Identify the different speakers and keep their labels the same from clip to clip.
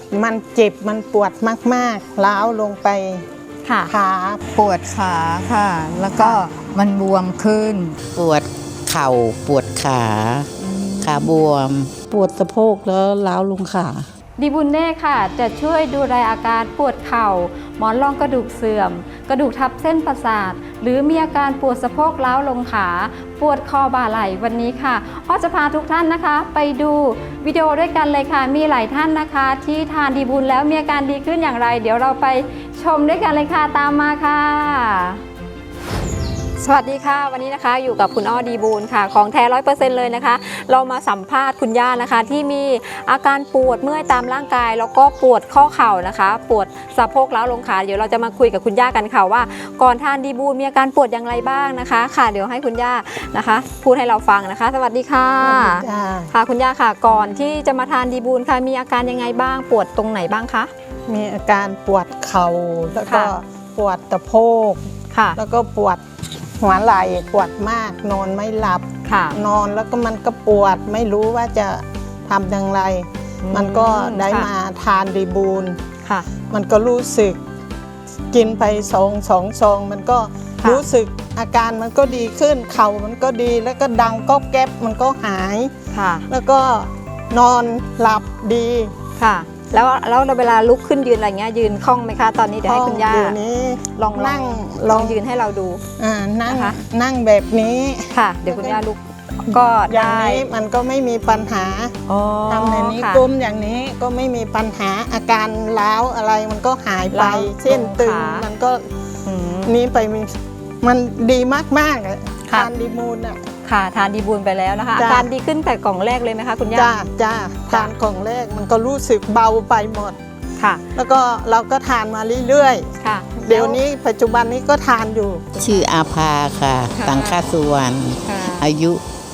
Speaker 1: มันเจ็บมันปวดมากๆล้าวลงไปขา
Speaker 2: ปวดขาค่ะ แล้วก็มันบวมขึ้น
Speaker 3: ปวดเข่าปวดขาบวม
Speaker 4: ปวดสะโพกแล้วล้าวลงขา
Speaker 5: ดีบุญเน่ค่ะจะช่วยดูแลอาการปวดเข่าหมอนรองกระดูกเสื่อมกระดูกทับเส้นประสาทหรือมีอาการปวดสะโพกล้าวลงขาปวดคอบ่าไหล่วันนี้ค่ะอ้อจะพาทุกท่านนะคะไปดูวิดีโอด้วยกันเลยค่ะมีหลายท่านนะคะที่ทานดีบุญแล้วมีอาการดีขึ้นอย่างไรเดี๋ยวเราไปชมด้วยกันเลยค่ะตามมาค่ะสวัสดีค่ะวันนี้นะคะอยู่กับคุณอ้อดีบูลค่ะของแท้ 100% เลยนะคะเรามาสัมภาษณ์คุณย่านะคะที่มีอาการปวดเมื่อยตามร่างกายแล้วก็ปวดข้อเข่านะคะปวดสะโพกล้าวลงขาเดี๋ยวเราจะมาคุยกับคุณย่ากันค่ะว่าก่อนทานดีบูลมีอาการปวดอย่างไรบ้างนะคะค่ะเดี๋ยวให้คุณย่านะคะพูดให้เราฟังนะคะสวัสดีค่ะค่ะคุณย่าค่ะก่อนที่จะมาทานดีบูลค่ะมีอาการยังไงบ้างปวดตรงไหนบ้างคะ
Speaker 1: มีอาการปวดเข่าแล้วก็ปวดสะโพกแล้วก็ปวดหัวไหล่ปวดมากนอนไม่หลับนอนแล้วก็มันก็ปวดไม่รู้ว่าจะทำอย่างไรมันก็ได้มาทานดีบูลมันก็รู้สึกกินไปสองซองมันก็รู้สึกอาการมันก็ดีขึ้นเข่ามันก็ดีแล้วก็ดังก็แก๊บมันก็หายแล้วก็นอนหลับดี
Speaker 5: ค่ะแล้วเวลาลุกขึ้นยืนอะไรเงี้ยยืนคล่องไหมคะตอนนี้เดี๋ยวให้คุณย่าลองนั่งลองยืนให้เราดู
Speaker 1: นั่งแบบนี้
Speaker 5: ค่ะเดี๋ยวคุณย่าลุกก็
Speaker 1: อย่างนี้มันก็ไม่มีปัญหาทำแบบนี้ก้มอย่างนี้ก็ไม่มีปัญหาอาการล้าวอะไรมันก็หายไปเส้นตึงมันก็นี้ไปมันดีมากๆทานดีบูล
Speaker 5: ค่ะทานดีบูลไปแล้วนะคะอาการดีขึ้นแต่กล่องแรกเลยไหมคะคุณย่า
Speaker 1: จ้าทานกล่องแรกมันก็รู้สึกเบาไปหมด
Speaker 5: ค่ะ
Speaker 1: แล้วก็เราก็ทานมาเรื่อยๆ
Speaker 5: ค่ะ
Speaker 1: เดี๋ยวนี้ปัจจุบันนี้ก็ทานอยู่
Speaker 3: ชื่ออาภาค่ะสังฆสุวรรณอายุ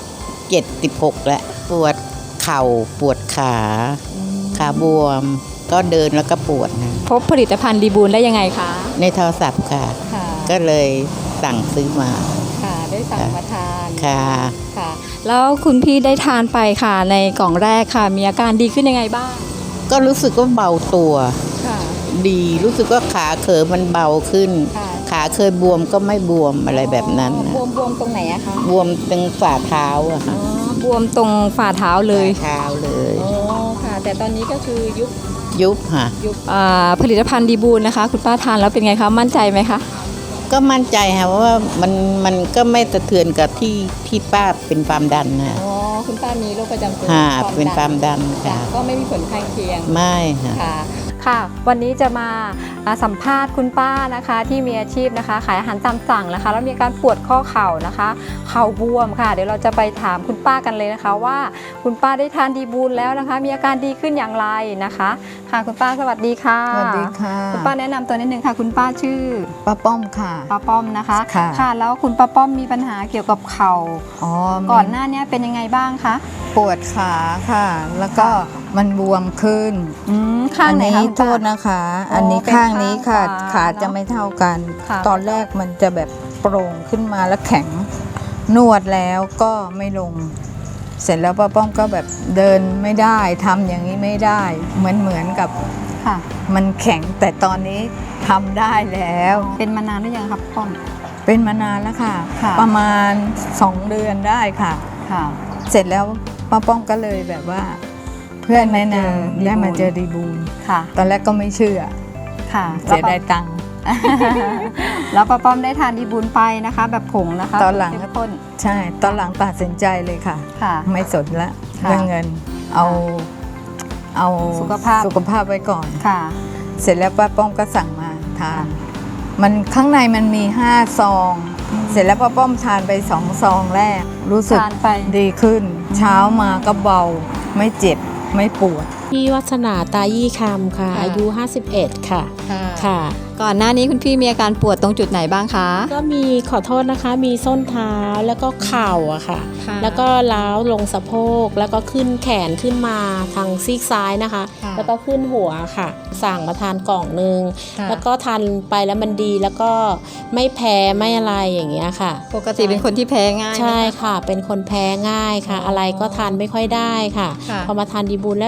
Speaker 3: 76แล้วปวดเข่าปวดขาบวมก็เดินแล้วก็ปวดนะ
Speaker 5: พบผลิตภัณฑ์ดีบูลได้ยังไงคะ
Speaker 3: ในโทรศัพท์ค่ะก็เลยสั่งซื้อมา
Speaker 5: ค่ะได้สั่งมาทาน
Speaker 3: ค่ะ
Speaker 5: แล้วคุณพี่ได้ทานไปค่ะในกล่องแรกค่ะมีอาการดีขึ้นยังไงบ้าง
Speaker 3: ก็รู้สึกว่าเบาตัวดีรู้สึกว่าขาเขยมันเบาขึ้นขาเคยบวมก็ไม่บวมอะไรแบบนั้น
Speaker 5: บวมตรงไหนอะคะ
Speaker 3: บวมตรงฝ่าเท้าอะค่ะ
Speaker 5: บวมตรงฝ่าเท้าเลย
Speaker 3: อ๋
Speaker 5: อค่ะแต่ตอนนี้ก็คือ
Speaker 3: ยุบค่ะ
Speaker 5: ผลิตภัณฑ์ดีบูลนะคะคุณป้าทานแล้วเป็นไงคะมั่นใจไหมคะ
Speaker 3: ก็มั่นใจค่ะว่ามันก็ไม่สะเทือนกับที่ป้าเป็นความดันนะ
Speaker 5: อ๋อคุณป้ามีโรคประจำตัว
Speaker 3: เป็นความดันค่ะ
Speaker 5: ก็ไม่มีผลข้างเคียง
Speaker 3: ไม่
Speaker 5: ค่ะวันนี้จะมาสัมภาษณ์คุณป้านะคะที่มีอาชีพนะคะขายอาหารตามสั่งนะคะแล้วมีการปวดข้อเข่านะคะเข่าบวมค่ะเดี๋ยวเราจะไปถามคุณป้ากันเลยนะคะว่าคุณป้าได้ทานดีบูลแล้วนะคะมีอาการดีขึ้นอย่างไรนะคะค่ะคุณป้าสวัสดีค่ะ
Speaker 2: สวัสดีค่ะ
Speaker 5: คุณป้าแนะนำตัวนิดนึงค่ะคุณป้าชื่อ
Speaker 2: ป้าป้อมค่ะ
Speaker 5: ป้าป้อมนะคะค่ะแล้วคุณป้าป้อมมีปัญหาเกี่ยวกับเข่าก่อนหน้านี้เป็นยังไงบ้างคะ
Speaker 2: ปวดขาค่ะแล้วก็มันบวมขึ้น
Speaker 5: ข้างไหนคะ
Speaker 2: โทษนะคะอันนี้ข้างนี้ค่ะขาจะไม่เท่ากันตอนแรกมันจะแบบโปร่งขึ้นมาแล้วแข็งนวดแล้วก็ไม่ลงเสร็จแล้วป้าป้อมก็แบบเดินไม่ได้ทำอย่างนี้ไม่ได้เหมือนกับมันแข็งแต่ตอนนี้ทำได้แล้ว
Speaker 5: เป็นมานานหรือยังครับป้อม
Speaker 2: เป็นมานานแล้วค่ะประมาณ2 เดือนได้ค่ะเสร็จแล้วป้าป้อมก็เลยแบบว่าเพื่อนแนะนำได้มาเจอดีบูลตอนแรกก็ไม่เชื่อเสียได้ตังค์
Speaker 5: แล้วป้าป้อมได้ทานดีบูลไปนะคะแบบผงนะคะ
Speaker 2: ตอนหลังใช่ตอนหลังตัดสินใจเลยค่ะไม่สนละเรื่องเงินเอาสุขภาพไว้ก่อนเสร็จแล้วป้าป้อมก็สั่งมาทานมันข้างในมันมี5 ซองเสร็จแล้วป้าป้อมทานไป2 ซองแรกรู้สึกดีขึ้นเช้ามาก็เบาไม่เจ็บไม่ปวด
Speaker 6: พี่วัฒนาตายี่คำค่ะอายุ51ค่ะค่ะ
Speaker 5: ก่อนหน้านี้คุณพี่มีอาการปวดตรงจุดไหนบ้างคะ
Speaker 6: ก็มีขอโทษนะคะมีส้นเท้าแล้วก็เข่าอะค่ะแล้วก็ล้าวลงสะโพกแล้วก็ขึ้นแขนขึ้นมาทางซีกซ้ายนะคะแล้วก็ขึ้นหัวค่ะสั่งมาทานกล่องนึงแล้วก็ทานไปแล้วมันดีแล้วก็ไม่แพ้ไม่อะไรอย่างเงี้ยค่ะ
Speaker 5: ปกติเป็นคนที่แพ้ง่าย
Speaker 6: ใช่ค่ะเป็นคนแพ้ง่ายค่ะอะไรก็ทานไม่ค่อยได้ค่ะพอมาทานดีบูลแล้วใจก็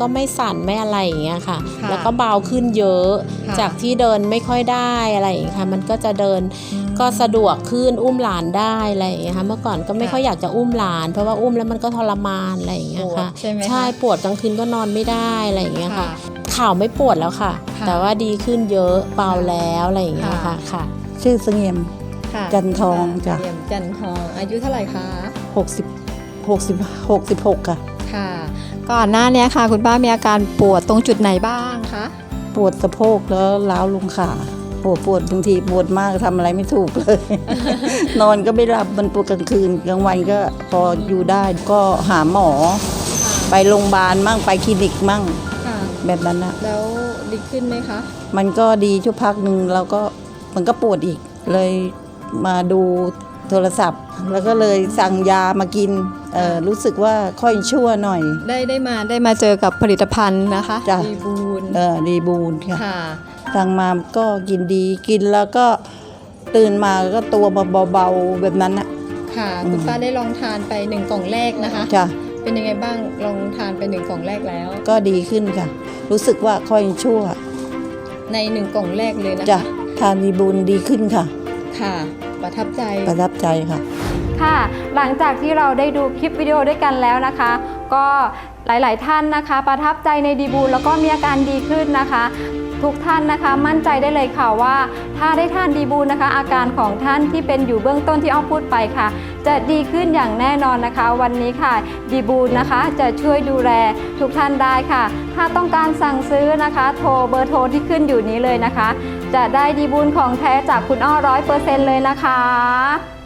Speaker 6: ไม่สั่นไม่อะไรอย่างเงี้ยค่ะ แล้วก็เบาขึ้นเยอะจากที่เดินไม่ค่อยได้อะไรอย่างเงี้ยค่ะมันก็จะเดินก็สะดวกขึ้นอุ้มหลานได้อะไรอย่างเงี้ยค่ะเมื่อก่อนก็ไม่ค่อยอยากจะอุ้มหลานเพราะว่าอุ้มแล้วมันก็ทรมานอะไรอย่างเงี้ยค่ะใช่ปวดกลางคืนก็นอนไม่ได้อะไรอย่างเงี้ยค่ะเข่าไม่ปวดแล้วค่ะแต่ว่าดีขึ้นเยอะเบาแล้วอะไรอย่างเงี้ยค่ะ
Speaker 4: ชื่อเสงี่ยมจันทองจ้ะ
Speaker 5: จันทองอายุเท่าไหร่คะ
Speaker 4: 66 ค่ะ
Speaker 5: ค่ะ ก่อนหน้านี้ค่ะ คุณป้ามีอาการปวดตรงจุดไหนบ้างคะ
Speaker 4: ปวดสะโพกแล้วล้าวลงขาปวดบางทีปวดมากทำอะไรไม่ถูกเลย นอนก็ไม่หลับมันปวดกลางคืนกลางวันก็พออยู่ได้ก็หาหมอ ไปโรงพยาบาลมั่งไปคลินิกมั่งแบบนั้นนะ
Speaker 5: แล้วดีขึ้นไหมคะ
Speaker 4: มันก็ดีชั่วพักหนึ่งแล้วก็มันก็ปวดอีกเลยมาดูโทรศัพท์ แล้วก็เลยสั่งยามากินรู้สึกว่าค่อยชั่วหน่อย
Speaker 5: ได้มาเจอกับผลิตภัณฑ์นะคะ
Speaker 4: จ้ะ
Speaker 5: ดีบูน
Speaker 4: ดีบูนค่ะ
Speaker 5: ค่ะ
Speaker 4: สั่งมาก็กินดีกินแล้วก็ตื่นมาก็ตัวเบาๆแบบนั้นนะ
Speaker 5: ค่ะคุณป้าได้ลองทานไป1 กล่องแรกนะคะ
Speaker 4: จ้ะ
Speaker 5: เป็นยังไงบ้างลองทานไป1 กล่องแรกแล้ว
Speaker 4: ก็ดีขึ้นค่ะ รู้สึกว่าค่อยชั่ว
Speaker 5: ใน1 กล่องแรกเลยนะ
Speaker 4: จ้ะ
Speaker 5: คะ
Speaker 4: ทานดีบูนดีขึ้นค่ะ
Speaker 5: ค่ะ ประทับใจ
Speaker 4: ประทับใจค่ะ
Speaker 5: ค่ะ หลังจากที่เราได้ดูคลิปวิดีโอด้วยกันแล้วนะคะ ก็หลายๆท่านนะคะ ประทับใจในดีบูลแล้วก็มีอาการดีขึ้นนะคะ ทุกท่านนะคะมั่นใจได้เลยค่ะว่าถ้าได้ทานดีบูลนะคะ อาการของท่านที่เป็นอยู่เบื้องต้นที่อ้อพูดไปค่ะ จะดีขึ้นอย่างแน่นอนนะคะ วันนี้ค่ะดีบูลนะคะจะช่วยดูแลทุกท่านได้ค่ะ ถ้าต้องการสั่งซื้อนะคะ โทรเบอร์โทรที่ขึ้นอยู่นี้เลยนะคะ จะได้ดีบูลของแท้จากคุณอ้อ100%เลยนะคะ